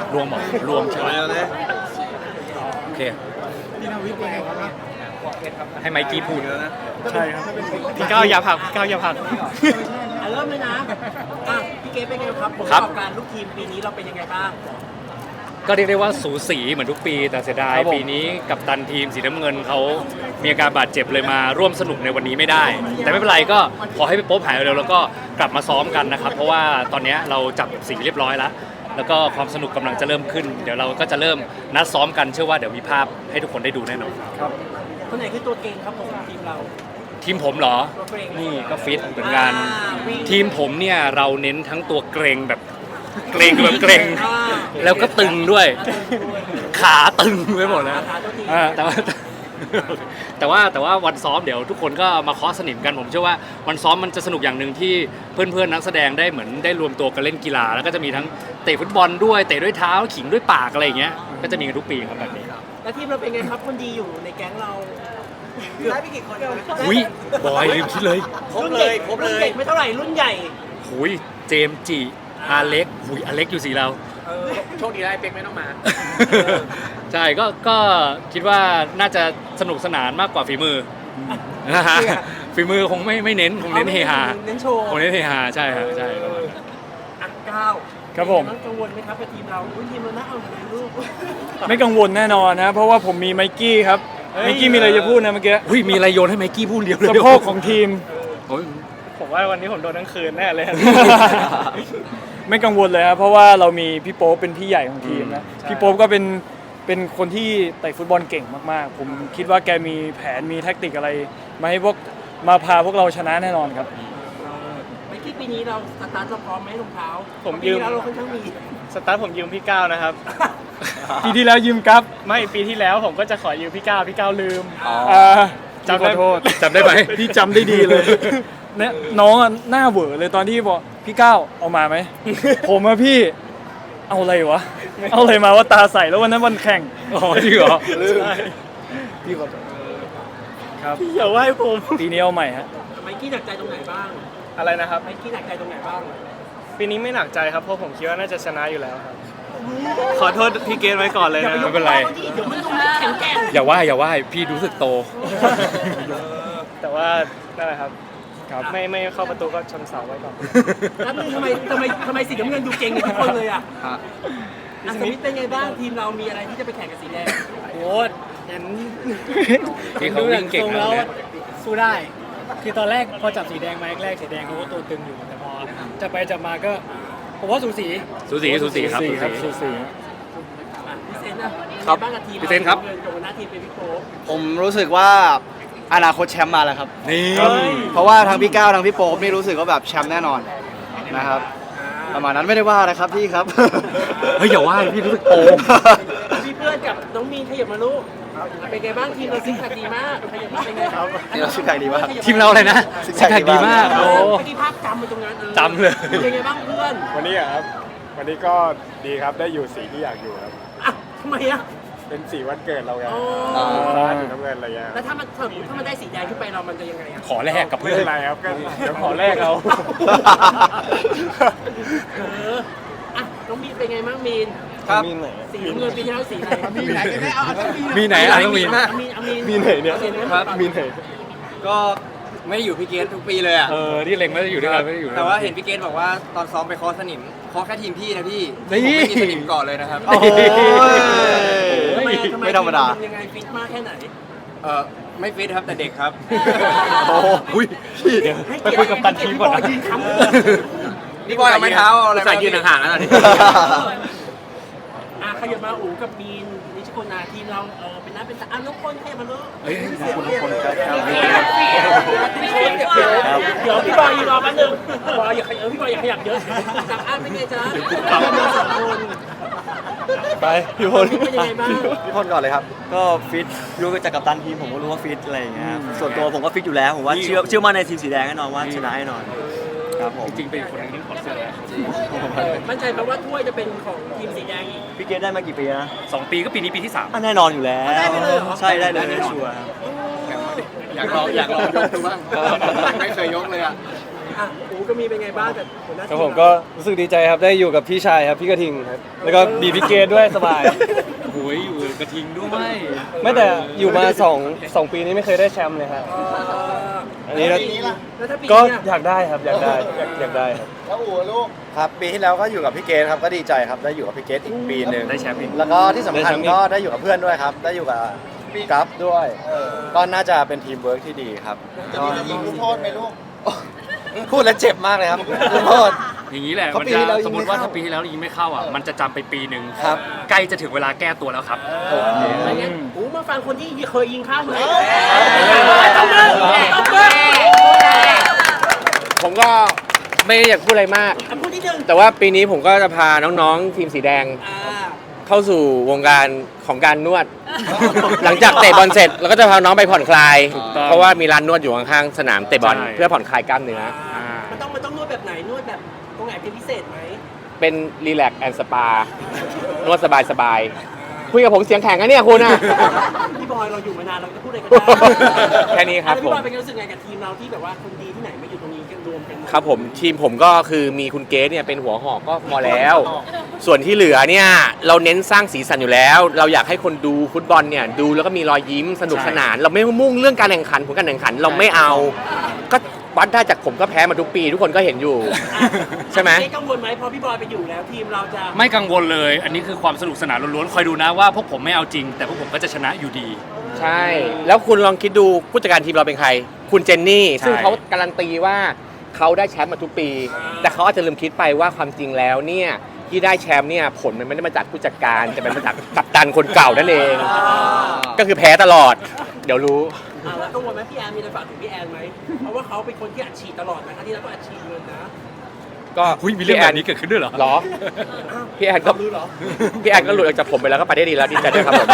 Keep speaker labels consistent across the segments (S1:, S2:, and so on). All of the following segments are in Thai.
S1: รวมหมดรวมใช่ไหมโอเคให้ไมค์กี้พูดแล้วนะ
S2: ใช่ครับพี่ก้าวอย่าผลักพี่ก้าวอย่าผลัก
S3: เริ่มเลยนะพี่เก๋เป็นไงครับผลประกอบการลูกทีมปีนี้เราเป็นยังไงบ้าง
S1: ก็เรียกได้ว่าสูสีเหมือนทุกปีแต่เสียดายปีนี้กับตันทีมสีน้ำเงินเขามีอาการบาดเจ็บเลยมาร่วมสนุกในวันนี้ไม่ได้แต่ไม่เป็นไรก็ขอให้พี่โป๊ปหายเร็วแล้วก็กลับมาซ้อมกันนะครับเพราะว่าตอนนี้เราจับสีเรียบร้อยแล้วก็ความสนุกกำลังจะเริ่มขึ้นเดี๋ยวเราก็จะเริ่มนัดซ้อมกันเชื่อว่าเดี๋ยวมีภาพให้ทุกคนได้ดูแน่นอน
S2: ครับ
S3: คนไหนคือตัวเก่งครับผมทีมเรา
S1: ทีมผมเหรอนี่ก็ฟิตเหมือนกันทีมผมเนี่ยเราเน้นทั้งตัวเกรงแบบเกรงแบบเกรงแล้วก็ตึงด้วยขาตึงไปหมดแล้วแต่ว่าวันซ้อมเดี๋ยวทุกคนก็มาเคาะสนิมกันผมเชื่อว่าวันซ้อมมันจะสนุกอย่างหนึ่งที่เพื่อนๆนักแสดงได้เหมือนได้รวมตัวกันเล่นกีฬาแล้วก็จะมีทั้งเตะฟุตบอลด้วยเตะด้วยเท้าขิงด้วยปากอะไรอย่างเงี้ยก็จะมีกันทุกปีครับแบบนี้
S3: แล้วทีมเราเป็นไงครับคนดีอยู่ในแก๊งเราได้ไปกี่คน
S1: อุ้ยบอยลืมคิดเลย
S3: ครบเลยเด็กไม่เท่าไหร่รุ่นใหญ่
S1: หุยเจมจีอาเล็กหุยอาเล็กอยู่สีเรา
S3: โชคดีได้เป็กไม่ต้องมา
S1: ใช่ก็คิดว่าน่าจะสนุกสนานมากกว่าฝีมือนะฮะฝีมือคงไม่เน้นคงเน้นเฮฮา
S3: เน้นโชว์
S1: คงเน้นเฮฮาใช่ครับใช่
S3: ก้าว
S2: ครับผม
S3: กังวลไหมครับกับทีมเราทีมเราน่าเอาไหนลูก
S2: ไม่กังวลแน่นอนนะเพราะว่าผมมีไมกี้ครับไมกี้มีอะไรจะพูดนะเมื่อกี้
S1: มีอะไรโยนให้ไมกี้พูดเดียวเลย
S2: สะโพกของทีม
S4: ผมว่าวันนี้ผมโดนทั้งคืนแน่เลย
S2: ไม่กังวลเลยครับเพราะว่าเรามีพี่โป๊ปเป็นพี่ใหญ่ของทีมนะพี่โป๊ปก็เป็นคนที่เตะฟุตบอลเก่งมากๆผมคิดว่าแกมีแผนมีแท็กติกอะไรมาพาพวกเราชนะแน่นอนครับ
S3: ไม่คิดปีนี้เราสตาร์ทเราพร้อมไหมรองเท้า
S4: ผมยืม
S3: เราค่อนข้างมี
S4: สตาร์ทผมยืมพี่ก้าวนะครับ
S2: ปีที่แล้วยืมครับ
S4: ไม่ปีที่แล้วผมก็จะขอยืมพี่ก้าวลืม
S2: จำได้โทษ
S1: จำได้ไหม
S2: พี่จำได้ดีเลยเนี่ยน้องหน้าเหวอเลยตอนที่บอกพี่ก้าวเอามาไหมผมอะพี่เอาอะไรวะเอาอะไรมาว่าตาใสแล้ววันนั้นวันแข่ง
S1: จริงเหรอ
S2: พี่ขอโทษครับ
S4: พี่อย่าว่าให้ผม
S2: ปีนี้เอาใหม่ฮะ
S3: ไมกี้หนักใจตรงไหนบ้าง
S4: อะไรนะครับ
S3: ไมกี้หนักใจตรงไหนบ้าง
S4: ปีนี้ไม่หนักใจครับเพราะผมคิดว่าน่าจะชนะอยู่แล้วครับขอโทษพี่เกณฑ์ไว้ก่อนเลยนะ
S1: ไม่เป็นไรอย่าว่าพี่รู้สึกโต
S4: แต่ว่านั่นแหละครับไม่เข้าประตูก็ชนเสาไว้ก่อน
S3: แล้วทำไมสีน้ำเงินดูเก่งทุกคนเลยอ่ะสมิธเป็นไงบ้างทีมเรามีอะไรที่จะไปแข่งกับสีแดง
S5: โอ้เห็นดูอย่างทรงแล้วสู้ได้คือตอนแรกพอจับสีแดงมาแรกสีแดงเขาก็ตัวตึงอยู่แต่พอจะไปจับมาก็ผมว่าสูสี
S1: ครับ
S2: สูสี
S3: พี่เซนนะครับบ้างกับทีม
S1: พี่เซนครับ
S3: หน้าทีมเป็นพี่โป๊ป
S6: ผมรู้สึกว่าอนาคตแชมป์มาแล้วครับ
S1: นี่
S6: เพราะว่าทั้งพี่ก้าวทั้งพี่โป๊ปนี่รู้สึกว่าแบบแชมป์แน่นอนนะครับประมาณนั้นไม่ได้ว่านะครับพี่ครับ
S1: เฮ้ยอย่าว่าพี่รู้สึกโต
S3: พี่เพื่อนกับน้องมีนขยับมาลูกเป็นไงบ้างทีมเราซิกแพคดีมากขยับมาเป็นไงครับ
S6: ทีมเราซิกแพคดีมาก
S1: ทีมเราอะไรนะซิกแพคดีมาก
S3: โอ้เมื่อกี้ภาพจำมาตรงนั้น
S1: จำเลย
S3: เป็นไงบ้างเพื่อน
S7: วันนี้ครับวันนี้ก็ดีครับได้อยู่สีที่อยากอยู่ครับ
S3: ทำไมอ่ะ
S7: เป็นสีวันเกิดเราไงสีน้ำเงินอะไรเงี้ย
S3: แล้วถ้ามันได้สีแดงขึ้นไปเรามันจะยังไงอ่ะ
S1: ขอแลกกับเพื่อน
S7: อะไรครับก็เดี๋ยวขอแลกเอา
S3: น้องมีนเป็นไงบ้างมีน
S6: ครับ
S3: สีน้ำเงินปีที่แล้วสีไหนมีไหนกันแน่
S1: มีไหนอ่ะต้องมี
S7: มีไหนเนี่ยครับมีไหน
S5: ก็ไม่ได้อยู่พี่เกตทุกปีเลยอ่ะ
S1: ที่เล็งไม่ได้อยู่ด้วยกันไม่ได้อยู่
S5: แต่ว่าเห็นพี่เกตบอกว่าตอนซ้อมไปเคาะสนิมเคาะแค่ทีมพี่นะพี่ผมไม่มีสนิมก่อนเลยนะครับ
S6: ไม่ธรรมดา
S3: ยังไงฟิตมากแค่ไหน
S5: ไม่ฟิตครับแต่เด็กครับ
S1: โอ้ยไปคุยกับตันทีมก่อนนะ
S5: นี่บอยเอาไม้เท้าอะไรใส่ยืนห่างๆนะตอนนี้
S3: ขยับมาอู๋กับมีนนิชโกนาทีมเราเป็นน้าเป็นตาน้องคนขยับมาเลย
S6: คน
S3: เดี๋ยวพี่บอยรอแป๊บนึงบอยอย่าขยับพี่บอยอย่าขยับเยอะจากอ้านเป็นไงจ๊ะ
S2: ไปพี่พล
S3: เป็นยังไงบ้าง
S6: พี่พลก่อนเลยครับก็ฟิตรู้จากกัปตันทีมผมก็รู้ว่าฟิตอะไรอย่างเงี้ยส่วนตัวผมก็ฟิตอยู่แล้วผมว่าเชื่อมั่นในทีมสีแดงแน่นอนว่าชนะแน่นอนครับผม
S1: จริงเป็นคนที่ขอเสื้อแล้ว
S3: มั่นใจไหมว่าถ้วยจะเป็นของทีมสีแดงอีก
S6: พี่เกตได้มากี่ปีนะ
S1: 2 ปีก็ปีนี้ปีที่3
S6: แน่นอนอยู่แล้วใช่ได้เลยชัวร์
S5: อยากลองยกดูบ้างไม่เคยยกเลยอ่ะ
S3: อ่ะโอ้ก็มีเป็นไงบ้างกับหัวหน้า
S4: ค
S3: ที
S4: รับ
S3: ม
S4: ผมก็รู้สึกดีใจครับได้อยู่กับพี่ชายครับพี่กระทิงครับแล้วก็บีพี่เกตด้วยสบาย
S1: โอ้ยอยู่กระทิงด้วย
S4: ไม่แต่อยู่มา2 ปีนี้ไม่เคยได้แชมป์เลยครับอันนี้
S3: แล้วถ้าปี
S4: ก็
S3: เนี้ย
S4: อยากได้ครับอยากได้ครับ
S8: ครับปีที่แล้วก็อยู่กับพี่เกตครับก็ดีใจครับได้อยู่กับพี่เกตอีกปีหนึ่ง
S1: ได้แชมป์อีก
S8: แล้วก็ที่สำคัญก็ได้อยู่กับเพื่อนด้วยครับ ได้อยู่กับกราฟด้วยก็น่าจะเป็นทีมเวิร์กที่ดีครับจะมียิงลูกโทษไหมลูกพูดแล้วเจ็บมากเลยครับลูกโทษ
S1: อย่างนี้แหละ
S8: เพราะ
S1: มัน
S8: ปีที่แล้ว
S1: จะสมมติว่า
S8: ยิงไม่เข้า
S1: ถ้าปีที่แล้วยิงไม่เข้าอ่ะมันจะจำไปปีหนึ่ง
S8: ครับ
S1: ใกล้จะถึงเวลาแก้ตัวแล้วครับ
S3: อะไรเงี้ยโอ้มาฟังคนที่เคยยิงข้ามเลยต้องเบิร์ต้องเบิร์
S9: ผมก็ไม่ได้อยากพูดอะไรมาก
S3: พูดนิดนึง
S9: แต่ว่าปีนี้ผมก็จะพาน้องๆ ทีมสีแดง เข้าสู่วงการของการนวด หลังจากเตะบอลเสร็จเราก็จะพาน้องไปผ่อนคลาย
S1: ถูกต้อง
S9: เพราะว่ามีร้านนวดอยู่ข้างๆสนามเตะบอล
S1: ใช่
S9: เพื่อผ่อนคลายกล้ามเนื้อ
S3: มันต้องนวดแบบไหนนวดแบบตรงไหนเป็นพิเศษไหม
S9: เป็นรีแลกซ์แอนด์สปานวดสบายๆคุยกับผมเสียงแข็งนะเนี่ยคุณอะ
S3: พี่บอยเราอยู่มานานเราจะพูดอะไรกันได้
S9: แค่นี้ครับ
S3: แล้ว
S9: ผ
S3: พี่
S9: ม
S3: บอยเป็นไงรู้สึกไงกับทีมเราที่แบบว่าคนดีที่ไหนมาอยู่ตรงนี้กันรวมกันหมด
S9: ครับผมทีมผมก็คือมีคุณเกสเนี่ยเป็นหัวหอกก็พอแล้ว ส่วนที่เหลือเนี่ยเราเน้นสร้างสีสันอยู่แล้ว เราอยากให้คนดูฟุตบอลเนี่ยดูแล้วก็มีรอยยิ้มสนุกสนาน เราไม่มุ่งเรื่องการแข่งขันผลการแข่งขันเราไม่เอา ก็วัดได้จากผมก็แพ้มาทุกปี ทุกคนก็เห็นอยู่ ใช่ไหม
S3: ไม่กังวลไหมพอพี่บอยไปอยู่แล้วทีมเราจะ
S1: ไม่กังวลเลย อันนี้คือความสนุกสนานล้วนๆคอยดูนะว่าพวกผมไม่เอาจริง แต่พวกผมก็จะชนะอยู่ดี
S9: ใช่ แล้วคุณลองคิดดูผู้จัดการทีมเราเป็นใคร คุณเจนนี่
S1: ใช่
S9: ซึ่งเขาการันตีว่าเขาได้แชมป์มาทุกปี แต่เขาอาจจะลืมคิดไปว่าความจริงแล้วเนี่ยที่ได้แชมป์เนี่ยผลมันไม่ได้มาจากผู้จัดการแต่เป็นมาจากกัปตันคนเก่านั่นเอง ก็คือแพ้ตลอด เดี๋ยวรู้
S3: แล้วกังวลไหมพี่แอนมีอะไรฝากถึงพี่แอนไหมเพราะว่าเขาเป็นคนที่อัดฉีดตลอดนะคะที่แล้วก็อัดฉีดเงินนะ
S9: ก็
S1: หุ้ยมีเรื่องแบบนี้เกิดขึ้นด้วยเหรอ
S9: หรอ พี่แอนก็
S3: รู้เหรอ
S9: พี่แอนก็หลุดออกจากผมไปแล้วก็ไปได้ดีแล้วดีใจด้วยครับผม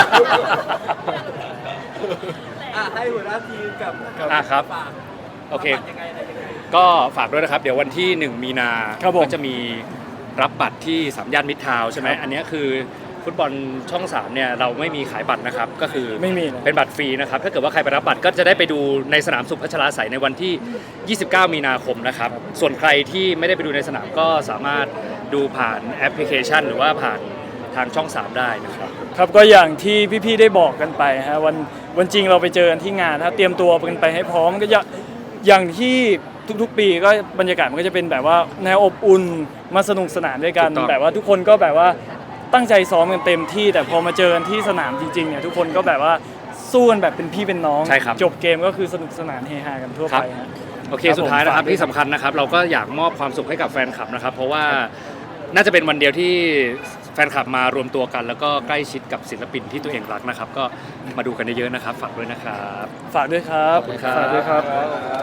S3: ให้หัวหน้าทีมกับ
S1: ครับ
S3: ฝาก
S1: โอเค
S3: ฝากยังไงอะไรยังไง
S1: ก็ฝากด้วยนะครับ เดี๋ยววันที่ 1 มีนา
S2: ครับผม
S1: ก็จะมีรับบัตรที่3 ย่านมิตรทาวน์ใช่ไหมอันนี้คือฟุตบอลช่อง 3เนี่ยเราไม่มีขายบัตรนะครับ ก็คือ
S2: ไม่มีนะ
S1: เป็นบัตรฟรีนะครับ ถ้าเกิดว่าใครไปรับบัตรก็จะได้ไปดูในสนามสุพัชราไสยในวันที่ 29 มีนาคมนะครับ ส่วนใครที่ไม่ได้ไปดูในสนามก็สามารถดูผ่านแอปพลิเคชัน หรือว่าผ่านทางช่อง 3 ได้นะครับ
S2: ครับก็อย่างที่พี่ๆได้บอกกันไปฮะวันจริงเราไปเจอกันที่งานถ้าเตรียมตัวกันไปให้พร้อมก็จะอย่างที่ทุกๆปีก็บรรยากาศมันก็จะเป็นแบบว่าแนวอบอุ่นมาสนุกสนานด้วยกัน
S1: ถูกต้อง
S2: แบบว่าทุกคนก็แบบว่าตั้งใจซ้อมกันเต็มที่แต่พอมาเจอกันที่สนามจริงๆเนี่ยทุกคนก็แบบว่าสู้กันแบบเป็นพี่เป็นน้อง
S1: ใช่ครับ
S2: จบเกมก็คือสนุกสนานเฮฮากันทั่ว
S1: ครับ
S2: ไปฮะ
S1: โอเค
S2: ครับ
S1: สุดท้ายนะครับ
S2: ผมฝากด้วย
S1: ที่สำคัญนะครับ เราก็อยากมอบความสุขให้กับแฟนคลับนะครับ เพราะว่าน่าจะเป็นวันเดียวที่แฟนคลับมารวมตัวกัน แล้วก็ใกล้ชิดกับศิลปินที่ตัวเองรักนะครับ ก็มาดูกันเยอะๆนะครับ ฝากด้วยนะครับ
S2: ฝากด้วยครับ
S1: ขอบคุณครับ
S2: ฝากด้วยครับ